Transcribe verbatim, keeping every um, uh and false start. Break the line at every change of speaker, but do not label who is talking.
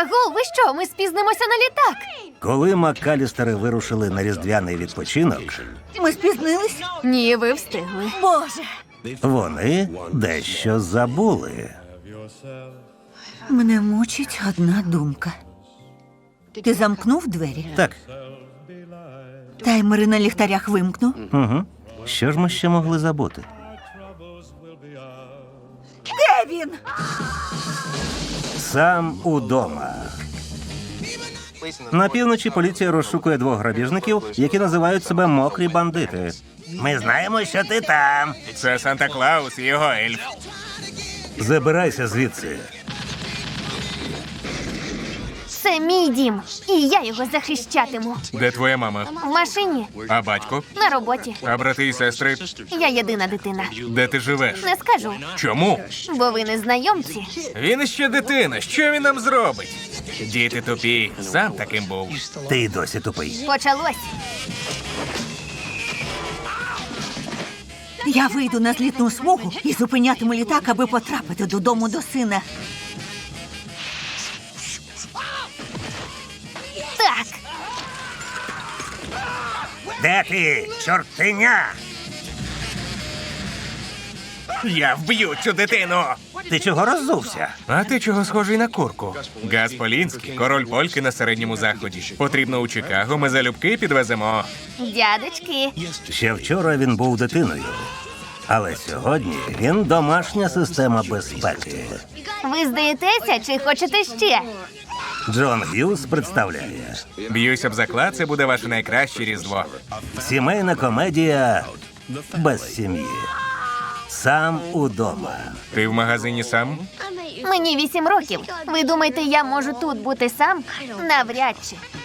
Агов, ви що? Ми спізнимося на літак.
Коли МакКалістери вирушили на різдвяний відпочинок,
Ми спізнились?
Ні, ви встигли.
Боже,
вони дещо забули.
мене мучить одна думка. Ти замкнув двері?
Так,
Таймери на ліхтарях вимкнув?
угу. Що ж ми ще могли забути?
Де він?
Сам удома. На півночі поліція розшукує двох грабіжників, які називають себе мокрі бандити. Ми знаємо, що ти там.
Це Санта-Клаус і його ельф.
Забирайся звідси.
Це мій дім, і я його захищатиму.
Де твоя мама?
В машині,
А батько?
на роботі.
А брати і сестри?
Я єдина дитина.
Де ти живеш?
Не скажу,
Чому?
бо ви не знайомці.
Він ще дитина. Що він нам зробить? Діти тупі. Сам таким був.
Ти й досі тупий.
Почалось.
Я вийду на злітну смугу і зупинятиму літак, аби потрапити додому до сина.
Так,
Де ти, чортеня?
Я вб'ю цю дитину.
Ти чого роззувся?
А ти чого схожий на курку? Газ Полінський, король польки на середньому заході. Потрібно у Чикаго, ми залюбки підвеземо.
дядечки.
Ще вчора він був дитиною. Але сьогодні він домашня система безпеки.
Ви здаєтеся чи хочете ще?
Джон Г'юз представляє
Б'юся б заклад, це буде ваше найкраще різдво.
сімейна комедія без сім'ї. Сам удома.
Ти в магазині сам?
Мені вісім років. Ви думаєте, я можу тут бути сам? Навряд чи.